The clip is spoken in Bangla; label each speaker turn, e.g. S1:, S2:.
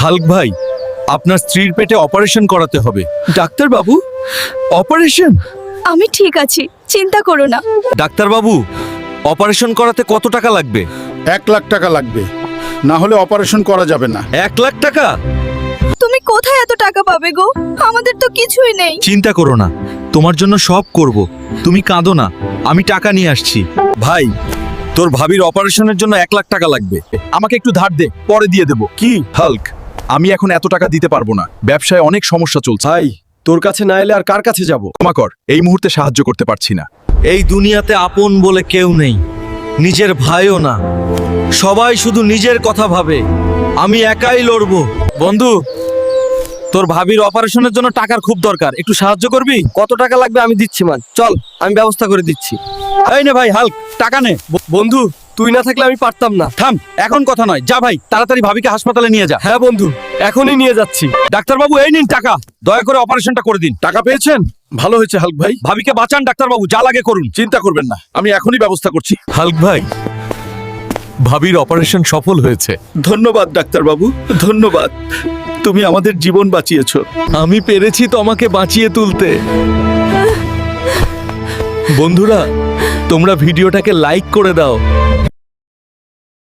S1: হাল্ক ভাই, আপনার স্ত্রীর পেটে অপারেশন করাতে হবে। ডাক্তার বাবু, অপারেশন?
S2: আমি ঠিক আছি, চিন্তা করো না।
S1: ডাক্তার বাবু, অপারেশন করাতে কত টাকা লাগবে?
S3: 1,00,000 টাকা লাগবে, না হলে অপারেশন করা যাবে না।
S1: 1,00,000 টাকা?
S2: তুমি কোথায় এত টাকা পাবে গো? আমাদের তো কিছুই নেই।
S1: চিন্তা করো না, তোমার জন্য সব করব। তুমি কাঁদো না, আমি টাকা নিয়ে আসছি। ভাই, তোর ভাবির অপারেশনের জন্য 1,00,000 টাকা লাগবে। আমাকে একটু ধার দে, পরে দিয়ে দেব। কি হাল্ক, আমি এখন এত টাকা দিতে পারবো না, ব্যবসায় অনেক সমস্যা চলছে।
S4: ভাই, তোর কাছে না এলে আর কার কাছে যাব?
S1: ক্ষমা কর, এই মুহূর্তে সাহায্য করতে পারছি না। এই দুনিয়াতে আপন বলে কেউ নেই, নিজের ভাইও না। সবাই শুধু নিজের কথা ভাবে। আমি একাই লড়বো। বন্ধু, তোর ভাবির অপারেশনের জন্য টাকার খুব দরকার, একটু সাহায্য করবি?
S4: কত টাকা লাগবে আমি দিচ্ছি মান, চল আমি ব্যবস্থা করে দিচ্ছি।
S1: এই নে ভাই হাল্ক, টাকা নে।
S4: বন্ধু, তুই না থাকলে আমি পারতাম না।
S1: থাম, এখন কথা নয়, যা ভাই তাড়াতাড়ি ভাবিকে হাসপাতালে নিয়ে যা।
S4: হ্যাঁ বন্ধু, এখনই নিয়ে যাচ্ছি।
S1: ডাক্তারবাবু, এই নিন টাকা, দয়া করে অপারেশনটা করে দিন।
S3: টাকা পেয়েছেন? ভালো হয়েছে হাল্ক ভাই।
S1: ভাবিকে বাঁচান ডাক্তারবাবু, যা লাগে করুন।
S3: চিন্তা করবেন না, আমি এখনই ব্যবস্থা করছি।
S1: হাল্ক ভাই, ভাবির অপারেশন সফল হয়েছে।
S3: ধন্যবাদ ডাক্তার বাবু, ধন্যবাদ। তুমি আমাদের জীবন বাঁচিয়েছো।
S1: আমি পেরেছি তোমাকে বাঁচিয়ে তুলতে। বন্ধুরা, তোমরা ভিডিওটাকে লাইক করে দাও,